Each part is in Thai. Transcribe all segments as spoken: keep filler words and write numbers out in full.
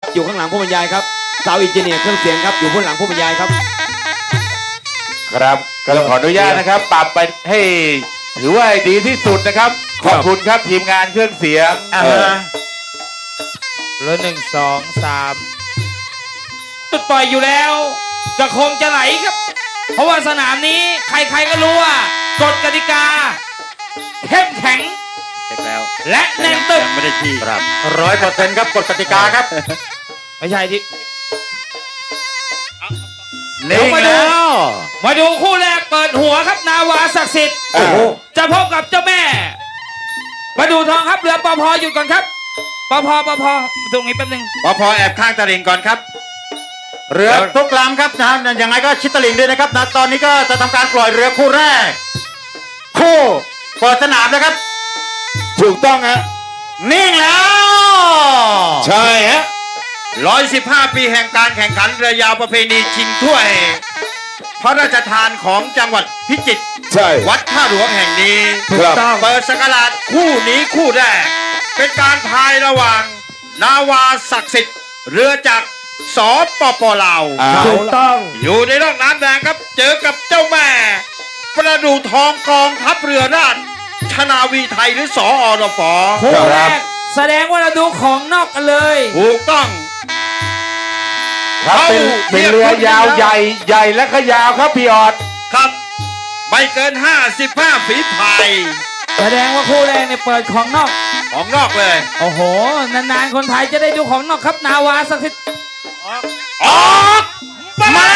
อยู่ข้างหลังผู้บรรยายครับสาวอินเจเนียร์เครื่องเสียงครับอยู่ข้างหลังผู้บรรยายครับครับก็ต้องขออนุญาตนะครับปรับไปให้ถือว่าดีที่สุดนะครับขอบคุณครับทีมงานเครื่องเสียงอ่าแล้วหนึ่งสองสามจุดปล่อยอยู่แล้วก็คงจะไหลครับเพราะว่าสนามนี้ใครๆก็รู้ว่ากฎกติกาเข้มแข็งแล้วและแน่นตึกไม่ได้ที่ครับร้อยเปอร์เซ็นต์ครับกฎกติกาครับไม่ใช่ที่เดี๋ยวมาดูมาดูคู่แรกเปิดหัวครับนาวาศักดิ์สิทธิ์จะพบกับเจ้าแม่มาดูทองครับเรือปพหยุดก่อนครับปพปพตรงนี้แป๊บนึงปพแอบข้างตลิ่งก่อนครับเรือทุกลำครับนะยังไงก็ชิดตลิ่งด้วยนะครับนะตอนนี้ก็จะทำการปล่อยเรือคู่แรกคู่เปิดสนามนะครับถูกต้องฮะนิ่งแล้วใช่ฮะร้อยสิบห้าปีแห่งการแข่งขันเรือยาวประเพณีชิงถ้วยพระราชทานของจังหวัดพิจิตรใช่วัดท่าหลวงแห่งนี้เปิดศักราชคู่นี้คู่แรกเป็นการพายระหว่างนาวาศักดิ์สิทธิ์เรือจากสปปลาวถูกต้องอยู่ในร่องน้ำแดงครับเจอกับเจ้าแม่ประดูทองกองทัพเรือราชชนาวีไทยหรือสอรฟคู่แรกแสดงว่าเราดูของนอกกันเลยถูกต้องครับเป็นเป็นเรือยาวใหญ่ใหญ่และก็ยาวครับพี่ออดครับไม่เกินห้าสิบห้าฝีพายแสดงว่าคู่แรกเนี่ยเปิดของนอกของนอกเลยโอ้โหนานๆคนไทยจะได้ดูของนอกครับนาวาศักดิ์สิทธิ์ออกมามา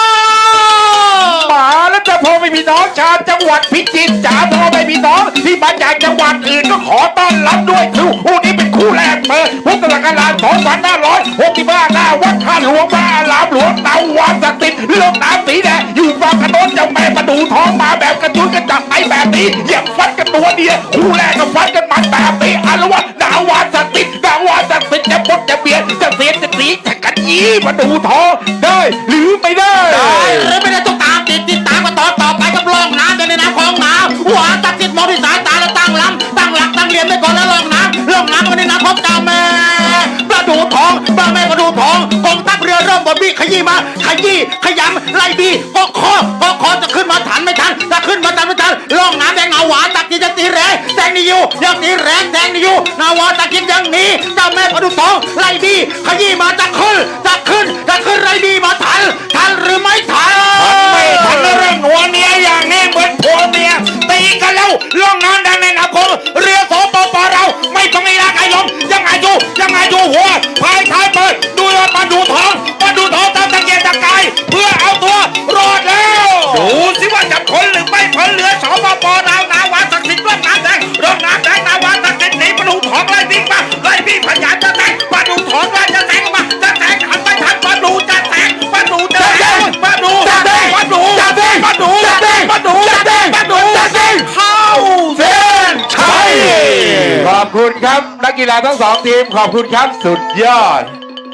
แล้วจะพอไม่มีน้องชาวจังหวัดพิจิตรจ๋าพอไม่มีน้องที่มาจากจังหวัดอื่นก็ขอต้อนรับด้วยคือคู่นี้เป็นคู่แรกเปิดพุทธศักราชสองพันห้าร้อยหกสิบห้าหน้าวัดท่าหลวงพระอารามหลวงนาวาศักดิ์สิทธิ์เรื่องน้ำสีแดงอยู่ฝั่งกระโดนเจ้าแม่ประดูทองมาแบบกระจุยกระจับไอแบบนี้อย่างฟัดกันตัวเดียวคู่แรกก็ฟัดกันมันแบบนี้อารวาสนาวาศักดิ์สิทธิ์นาวาศักดิ์สิทธิ์จะพดจะเบียดจะเสียจะสีจะกันยี่ประดูทองได้หรือไม่ได้ได้หรือไม่ได้ต้องตามติดติดตามกันต่อต่อไปกับล่องน้ำในน้ำของน้ำหัวตัดติดมองที่สายตาแล้วตั้งลำตั้งหลักตั้งเหลี่ยมไปก่อนแล้วล่องน้ำล่องน้ำกันในน้ำของเจ้าแม่ประดูทองพระแม่ประดูทองกองทัพเรือเริ่มบดบี้ขยี้มาขยี้ขยำไล่บี้ก็คอก็คอจะขึ้นมาทันไม่ทันจะขึ้นมาทันไม่ทันล่องน้ำแดงเอาหวานตัดกินจะตีแรงแดงนี่อยู่ยังตีแรงแดงนี่อยู่นาวาตัดกินยังนี้เจ้าแม่ประดูทองไล่บี้ขยี้มาจะขึ้นจะขึ้นจะขึ้นไล่บี้มาทันทันหรือไม่ทันไม่ทันเรื่องหัวเมียอย่างนี้เหมือนผัวเมียตีกันแล้วล่องน้ำแดงในน้ำคงเรือสปปเราไม่ต้องมีรักไอ้ลมยังไงอยู่ยังไงอยู่หัวพายท้ายเปิดดูว่ามาดูทองมาดูทองตามตะเกียกตะกายเพื่อเอาตัวรอดแล้วดูสิว่าจะพ้นหรือไม่พ้นเรือสปปเรานาวาศักดิ์สิทธิ์ร่องน้ำแดงร่องน้ำแดงนาวาศักดิ์สิทธิ์หนีประดูทองไล่บิ๊กมาไล่บิ๊กพยายามจะแทงประดูทองว่าจะแทงมาจะแทงทันไม่ทันประดูจะแทงประดูจะแทงประดูจะแทงประดูจะแทงประดูจะแทงประดูจะแทงประดูจะแทงเข้าเส้นชัยขอบคุณครับนักกีฬาทั้งสองทีมขอบคุณครับสุดยอด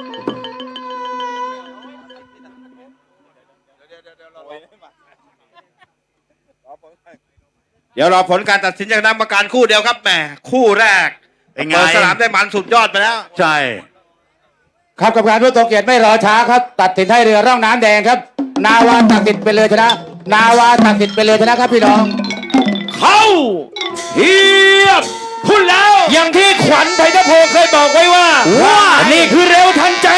เดี๋ยวรอผลการตัดสินจากคณะกรรมการคู่เดียวครับแหมคู่แรกเปิดสนามได้มันสุดยอดไปแล้วใช่ครับกรรมการผู้ทรงเกียรติไม่รอช้าครับตัดสินให้เรือร่องน้ำแดงครับนาวาศักดิ์สิทธิ์เป็นเรือชนะนาวาศักดิ์สิทธิ์เป็นเรือชนะครับพี่น้องเข้าเทียบคุณแล้วอย่างที่ขวัญไทยทโพเคยบอกไว้ว่าว่านี่คือเร็วทันใจ